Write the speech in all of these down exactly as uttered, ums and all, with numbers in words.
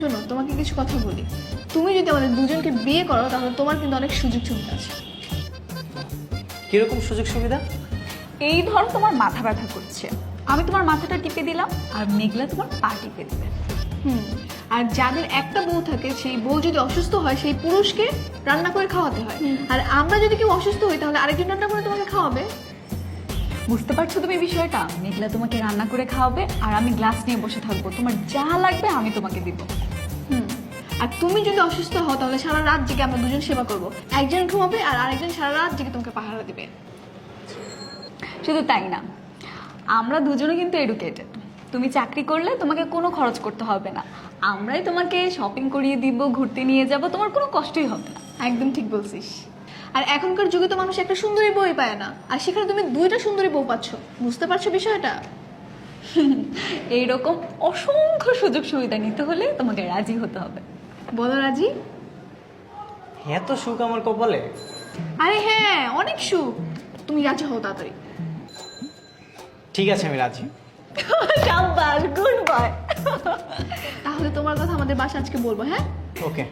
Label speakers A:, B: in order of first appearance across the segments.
A: শোনো, তোমাকে কিছু কথা বলি। তুমি যদি আমাদের দুজনকে বিয়ে করো তাহলে তোমার কিন্তু অনেক সুযোগ সুবিধা আছে।
B: কিরকম সুযোগ সুবিধা?
C: এই ধরো তোমার মাথা ব্যথা করছে, আমি তোমার মাথাটা টিপে দিলাম আর মেঘলা তোমার পা টিপে দিবে।
A: হুম। আর যাদের একটা বউ থাকে সেই বউ যদি অসুস্থ হয় সেই পুরুষকে রান্না করে খাওয়াতে হয়। আর আমরা যদি কেউ অসুস্থ হই তাহলে আরেকজন রান্না করে তোমাকে খাওয়াবে।
C: বুঝতে পারছো তুমি বিষয়টা? মেঘলা তোমাকে রান্না করে খাওয়াবে আর আমি গ্লাস নিয়ে বসে থাকবো, তোমার যা লাগবে আমি তোমাকে দিব।
A: হুম। আর তুমি যদি অসুস্থ হও তাহলে সারা রাত জেগে আমরা দুজন সেবা করব। একজন ঘুমাবে আর আরেকজন সারা রাত জেগে তোমাকে পাহারা দিবে।
C: শুধু তাই না, আমরা দুজনে কিন্তু এডুকেটেড। তুমি চাকরি করলে তোমাকে কোনো খরচ করতে হবে না, আমরাই তোমাকে শপিং করিয়ে দিব, ঘুরতে নিয়ে যাব, তোমার কোনো কষ্টই হবে না।
A: একদম ঠিক বলছিস। আর এখনকার যুগে তো মানুষ একটা সুন্দরী বউই পায় না, আর সেখানে তুমি দুইটা সুন্দরী বউ পাচ্ছ। বুঝতে পারছো বিষয়টা?
C: এইরকম অসংখ্য সুযোগ সুবিধা নিতে হলে তোমাকে রাজি হতে হবে।
A: বলো রাজি?
B: এত সুখ আমার কপালে।
A: আরে হ্যাঁ, অনেক সুখ। তুমি রাজি হও তাড়াতাড়ি।
B: ঠিক আছে, আমি রাজি।
C: শাবাশ, গুড বয়।
A: তাহলে তোমার কথা আমাদের বাসা আজকে বলবো, হ্যাঁ?
B: ওকে।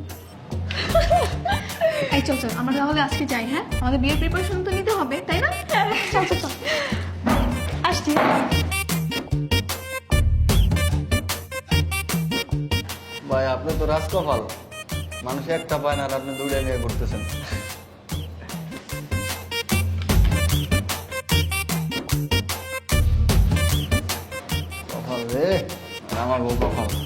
A: এই চল চল, আমরা তাহলে আজকে যাই। হ্যাঁ, আমাদের বিয়ের প্রিপারেশন তো নিতে হবে, তাই না? চল চল চল।
C: আসছি।
D: ভাই আপনি তো রাজকপাল, মানুষ একটা পায় না আর আপনি দুইটা নিয়ে ঘুরতেছেন। কপাল রে, আর আমার বউ কপাল।